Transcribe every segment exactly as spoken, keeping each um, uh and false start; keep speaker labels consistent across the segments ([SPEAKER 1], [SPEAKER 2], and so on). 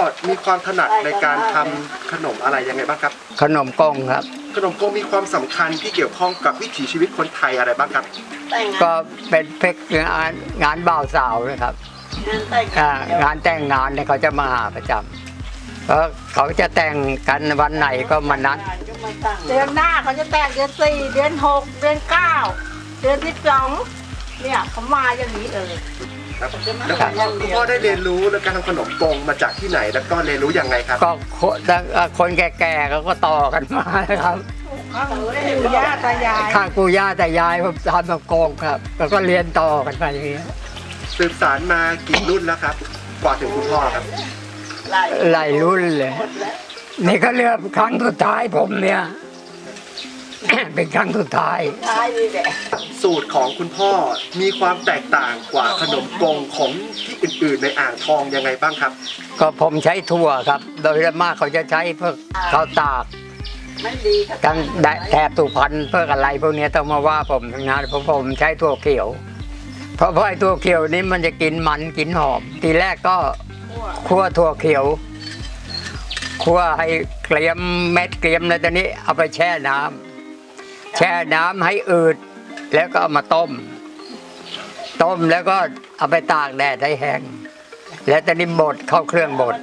[SPEAKER 1] มีความถนัดในการทำขนมอะไรยังไงบ้างครับ
[SPEAKER 2] ขนมกงครับ
[SPEAKER 1] ขนมกงมีความสำคัญที่เกี่ยวข้องกับวิถีชีวิตคนไทยอะไรบ้างครับ
[SPEAKER 2] ก็เป็นเพกงานงานบ่าวสาวนะครับงานแต่งงานเนี่ยเขาจะมาหาประจำเพราะเขาจะแต่งกันวันไหนก็มานัด
[SPEAKER 3] เดือนหน้าเขาจะแต่งเดือนสี่เดือนหกเดือนเก้าเดือนที่สองเนี่ยเขามาอย่างนี้เลย
[SPEAKER 1] แล้วคุณพ่อได้เรียนรู้ในการทำขนมกงมาจากที่ไหนแล้วก็เรียนรู้ยังไงครับ
[SPEAKER 2] ก็คนแก่ๆเขาก็ต่อกันมาครับ
[SPEAKER 3] ข้างปู่ย่าตายาย
[SPEAKER 2] ข้างปู่ย่าตายายผมทำขนมกงครับแล้วก็เรียนต่อกันไปอย่างนี้
[SPEAKER 1] สืบสานมากี่รุ่นแล้วครับกว่าถึงคุณพ่อครับ
[SPEAKER 2] หลายรุ่นเลยนี่ก็เลือกครั้งสุดท้ายผมเนี่ยเป็นครั้งสุดท้าย
[SPEAKER 1] สูตรของคุณพ่อมีความแตกต่างกว่าขนมกงของที่อื่นๆในอ่างทองยังไงบ้างครับ
[SPEAKER 2] ก็ผมใช้ถั่วครับโดยมากเขาจะใช้เพื่อข้าวตากทั้งแถบสุพรรณเพื่ออะไรพวกนี้ต้องมาว่าผมทั้งนั้นเพราะผมใช้ถั่วเขียวเพราะเพราะไอ้ถั่วเขียวนี้มันจะกินมันกินหอมทีแรกก็คั่วถั่วเขียวคั่วให้เกลียมเม็ดเกลียมแล้วตอนนี้เอาไปแช่น้ำแช่น้ำให้อืดแล้วก็เอามาต้มต้มแล้วก็เอาไปตากแดดให้แห้งแล้วตอนนี้บดเข้าเครื่องบด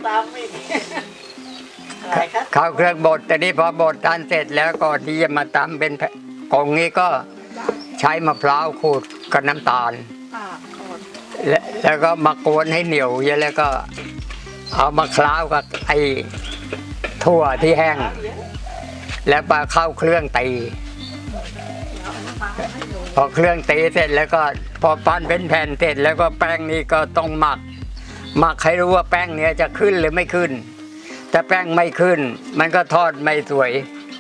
[SPEAKER 2] เข้าเครื่องบดตอนนี้พอบดทานเสร็จแล้วก็ที่จะมาตำเป็นกงนี้ก็ใช้มะพร้าวขูดกับน้ำตาลแล้วก็มากวนให้เหนียวเยอะแล้วก็เอามาคล้าวกับไอ้ถั่วที่แห้งแล้วมาเข้าเครื่องตีพอเครื่องตีเสร็จแล้วก็พอปั้นเป็นแผ่นเสร็จแล้วก็แป้งนี้ก็ต้องหมักหมักให้รู้ว่าแป้งเนี้ยจะขึ้นหรือไม่ขึ้นถ้าแป้งไม่ขึ้นมันก็ทอดไม่สวย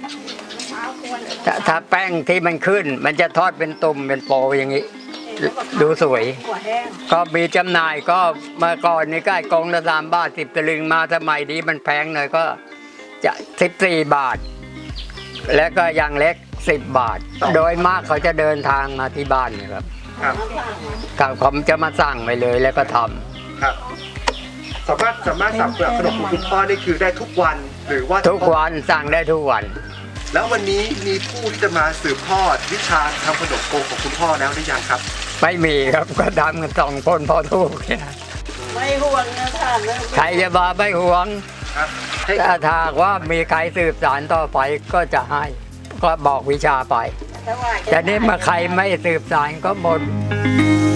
[SPEAKER 2] ถ้าแป้งที่มันขึ้นมันจะทอดเป็นตุ่มเป็นโปอย่างนี้ดูสวยก็มีจำหน่ายก็เมื่อก่อนนี่ก็กองละสามบาทสิบตลึงมาสมัยนี้มันแพงหน่อยก็จะสิบสี่บาทแล้วก็อย่างเล็กสิบบาทโดยมากเขาจะเดินทางมาที่บ้านนะครับครับผมจะมาสั่งไปเลยแล้วก็ทำ
[SPEAKER 1] ครับสามารถสามารถสั่งเปลือกขนมของคุณพ่อได้คือได้ทุกวันหรือว่า
[SPEAKER 2] ทุกวันสั่งได้ทุกวัน
[SPEAKER 1] แล้ววันนี้มีผู้ที่จะมาสืบทอดวิชาทำขนมโกงของคุณพ่อแล้วหรือยังครับ
[SPEAKER 2] ไม่มีครับก็ทำกันสองคนพอทุก
[SPEAKER 3] ไม่ห่วงนะท่าน
[SPEAKER 2] ใครจะมาไม่ห่วงถ้าถากว่ามีใครสืบสานต่อไปก็จะให้ก็บอกวิชาไปแต่นี้มาใครไม่สืบสานก็หมด